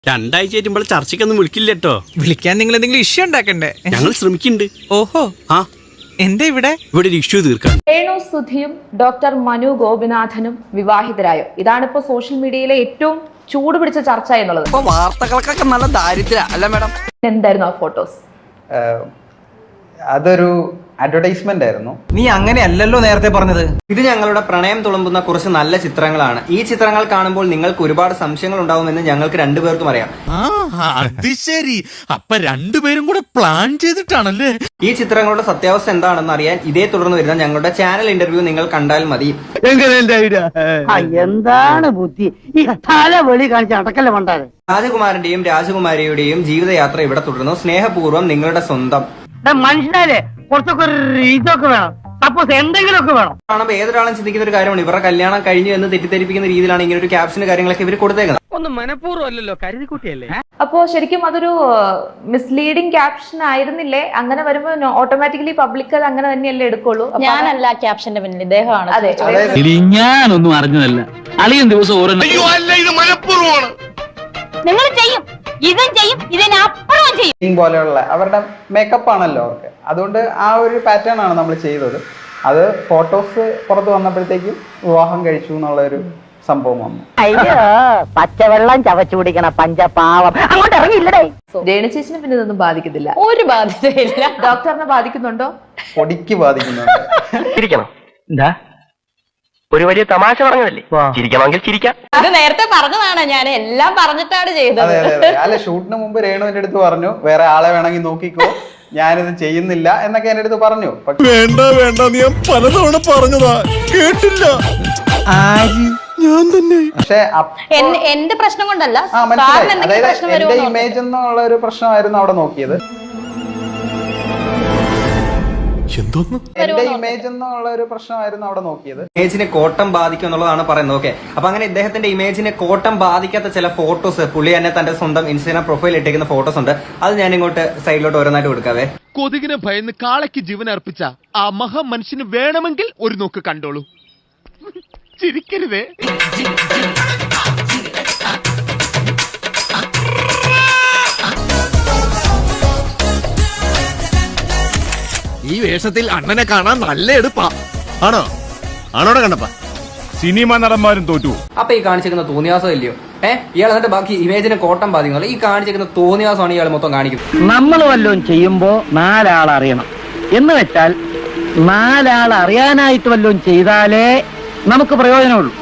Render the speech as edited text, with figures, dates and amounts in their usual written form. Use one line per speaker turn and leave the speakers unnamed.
രണ്ടാഴ്ച ആയിട്ട് ചർച്ചയ്ക്കൊന്നും വിളിക്കില്ലട്ടോ.
വിളിക്കാൻ നിങ്ങൾ എന്തെങ്കിലും ഇഷ്യൂ ഉണ്ടാക്കണ്ടേ?
ഞങ്ങൾ ശ്രമിക്കുന്നുണ്ട്.
ഓഹോ,
ആ
എന്താ ഇവിടെ
ഒരു ഇഷ്യൂ തീർക്കാൻ.
രേണു സുധിയും ഡോക്ടർ മനു ഗോപിനാഥനും വിവാഹിതരായോ? ഇതാണിപ്പോ സോഷ്യൽ മീഡിയയിലെ ഏറ്റവും ചൂട് പിടിച്ച ചർച്ച എന്നുള്ളത്.
വാർത്തകൾക്കൊക്കെ നല്ല ദാരിദ്ര്യ അല്ല മാഡം?
എന്തായിരുന്നു ആ ഫോട്ടോസ്?
അതൊരു അഡ്വർടൈസ്മെന്റ് ആയിരുന്നു.
നീ അങ്ങനെയല്ലല്ലോ നേരത്തെ പറഞ്ഞത്.
ഇത് ഞങ്ങളുടെ പ്രണയം തുളുമ്പുന്ന കുറച്ച് നല്ല ചിത്രങ്ങളാണ്. ഈ ചിത്രങ്ങൾ കാണുമ്പോൾ നിങ്ങൾക്ക് ഒരുപാട് സംശയങ്ങൾ ഉണ്ടാവുമെന്ന് ഞങ്ങൾക്ക് രണ്ടുപേർക്കും അറിയാം.
അത് ശരി, അപ്പൊ രണ്ടുപേരും കൂടെ പ്ലാൻ ചെയ്തിട്ടാണല്ലേ?
ഈ ചിത്രങ്ങളുടെ സത്യാവസ്ഥ എന്താണെന്ന് അറിയാൻ ഇതേ തുടർന്ന് വരുന്ന ഞങ്ങളുടെ ചാനൽ ഇന്റർവ്യൂ നിങ്ങൾ കണ്ടാൽ മതി.
എന്താണ് ബുദ്ധി ഈ തല വെളി കാണിച്ച് അടക്കല്ലേ വേണ്ടത്?
രാജകുമാരന്റെയും രാജകുമാരിയുടെയും ജീവിതയാത്ര ഇവിടെ തുടരുന്നു. സ്നേഹപൂർവ്വം നിങ്ങളുടെ സ്വന്തം.
മനുഷ്യനാലേ കുറച്ചൊക്കെ ഇതൊക്കെ വേണം, സപ്പോസ് എന്തെങ്കിലുമൊക്കെ വേണം.
കാണുമ്പോൾ ഏതൊരാളും ചിന്തിക്കുന്ന ഒരു കാര്യമാണ്, ഇവരുടെ കല്യാണം കഴിഞ്ഞു എന്ന് തെറ്റിദ്ധരിപ്പിക്കുന്ന രീതിയിലാണ് ഇങ്ങനെ ഒരു ക്യാപ്ഷന് കാര്യങ്ങളൊക്കെ ഇവർ കൊടുത്തേക്കുന്നത്.
ഒന്നും മനഃപൂർവ്വം അല്ലല്ലോ, കരുതിക്കുട്ടിയല്ലേ.
അപ്പോ ശരിക്കും അതൊരു മിസ്ലീഡിംഗ് ക്യാപ്ഷൻ ആയിരുന്നില്ലേ? അങ്ങനെ വരുമ്പോ ഓട്ടോമാറ്റിക്കലി പബ്ലിക് അത് അങ്ങനെ തന്നെയല്ലേ എടുക്കുള്ളൂ.
ഞാനല്ല ക്യാപ്ഷന്റെ പിന്നിൽ, ഇദ്ദേഹമാണ്.
അതെ,
ഞാനൊന്നും അറിഞ്ഞതല്ല. അളിയൻ ദിവസം ഓരോ
നിങ്ങൾ ചെയ്യും, ഇതും ചെയ്യും, ഇതിനപ്പുറവും ചെയ്യും
പോലെയുള്ള അവരുടെ മേക്കപ്പ് ആണല്ലോ അവർക്ക്. അതുകൊണ്ട് ആ ഒരു പാറ്റേൺ ആണ് നമ്മൾ ചെയ്തത്. അത് ഫോട്ടോസ് പുറത്ത് വന്നപ്പോഴത്തേക്കും വിവാഹം കഴിച്ചു എന്നുള്ള ഒരു സംഭവം വന്നു.
അയ്യോ, പച്ചവെള്ളം ചവച്ചു കുടിക്കണ പഞ്ചപാവം അങ്ങോട്ട് ഇറങ്ങിയില്ലടേ.
രേണു ചേച്ചിനെ പിന്നെ ഇതൊന്നും ബാധിക്കത്തില്ല.
ഒരു ബാധ്യതയില്ല.
ഡോക്ടറിനെ ബാധിക്കുന്നുണ്ടോ?
പൊടിക്ക് ബാധിക്കുന്നുണ്ട്.
ചിരിക്കണം. എന്താ ഒരു വലിയ തമാശ പറഞ്ഞതല്ലേ, ചിരിക്കണമെങ്കിൽ ചിരിക്കാം.
ഇത് നേരത്തെ പറഞ്ഞതാണ്, ഞാൻ എല്ലാം പറഞ്ഞിട്ടാണ് ചെയ്തത്.
അതെ അതെ അതെ. അല്ല, ഷൂട്ടിന് മുമ്പ് രേണു എന്റെ അടുത്ത് പറഞ്ഞു, വേറെ ആളെ വേണമെങ്കിൽ നോക്കിക്കോ, ഞാനിത് ചെയ്യുന്നില്ല എന്നൊക്കെ എന്റെ അടുത്ത് പറഞ്ഞു.
വേണ്ട വേണ്ട, ഞാൻ പലതവണ പറഞ്ഞതാ, കേട്ടില്ല. ഞാൻ തന്നെ.
പക്ഷെ
എന്റെ പ്രശ്നം കൊണ്ടല്ല,
മനസ്സിലായി. അതായത് എന്റെ ഇമേജ് എന്നുള്ള ഒരു പ്രശ്നമായിരുന്നു അവിടെ നോക്കിയത്. എന്റെ ഇമേജ് എന്നുള്ള ഒരു പ്രശ്നമായിരുന്നു അവിടെ നോക്കിയത്.
ഇമേജിനെ കോട്ടം ബാധിക്കും എന്നുള്ളതാണ് പറയുന്നത്. ഓക്കെ, അപ്പൊ അങ്ങനെ ഇദ്ദേഹത്തിന്റെ ഇമേജിനെ കോട്ടം ബാധിക്കാത്ത ചില ഫോട്ടോസ് പുള്ളി തന്നെ തന്റെ സ്വന്തം ഇൻസ്റ്റാഗ്രാം പ്രൊഫൈൽ ഇട്ടേക്കുന്ന ഫോട്ടോസ് ഉണ്ട്. അത് ഞാൻ ഇങ്ങോട്ട് സൈഡിലോട്ട് ഓരോന്നായിട്ട് കൊടുക്കാവേ.
കൊതുകിനെ ഭയന്ന് കാളയ്ക്ക് ജീവൻ അർപ്പിച്ച ആ മഹാ മനുഷ്യന് വേണമെങ്കിൽ ഒരു നോക്ക് കണ്ടോളൂ. ചിരിക്കരുതേ. ഈ വേഷത്തിൽ അണ്ണനെ കാണാൻ നല്ല എടുപ്പാ. ആണോ? ആണോടെ കണ്ടപ്പ സിനിമ നടന്മാരും തോറ്റു.
അപ്പൊ ഈ കാണിച്ചിരിക്കുന്ന തോന്നിയാസം ഇല്ലയോ? ഇയാൾ എന്നിട്ട് ബാക്കി ഇമേജിനെ കോട്ടം ബാധിക്കുന്നില്ല. ഈ കാണിച്ചിരിക്കുന്ന തോന്നിയാസമാണ് ഇയാൾ മൊത്തം കാണിക്കുന്നത്.
നമ്മൾ വല്ലതും ചെയ്യുമ്പോ നാലാൾ അറിയണം എന്ന് വെച്ചാൽ നാലാൾ അറിയാനായിട്ട് വല്ലതും ചെയ്താലേ നമുക്ക് പ്രയോജനമുള്ളൂ.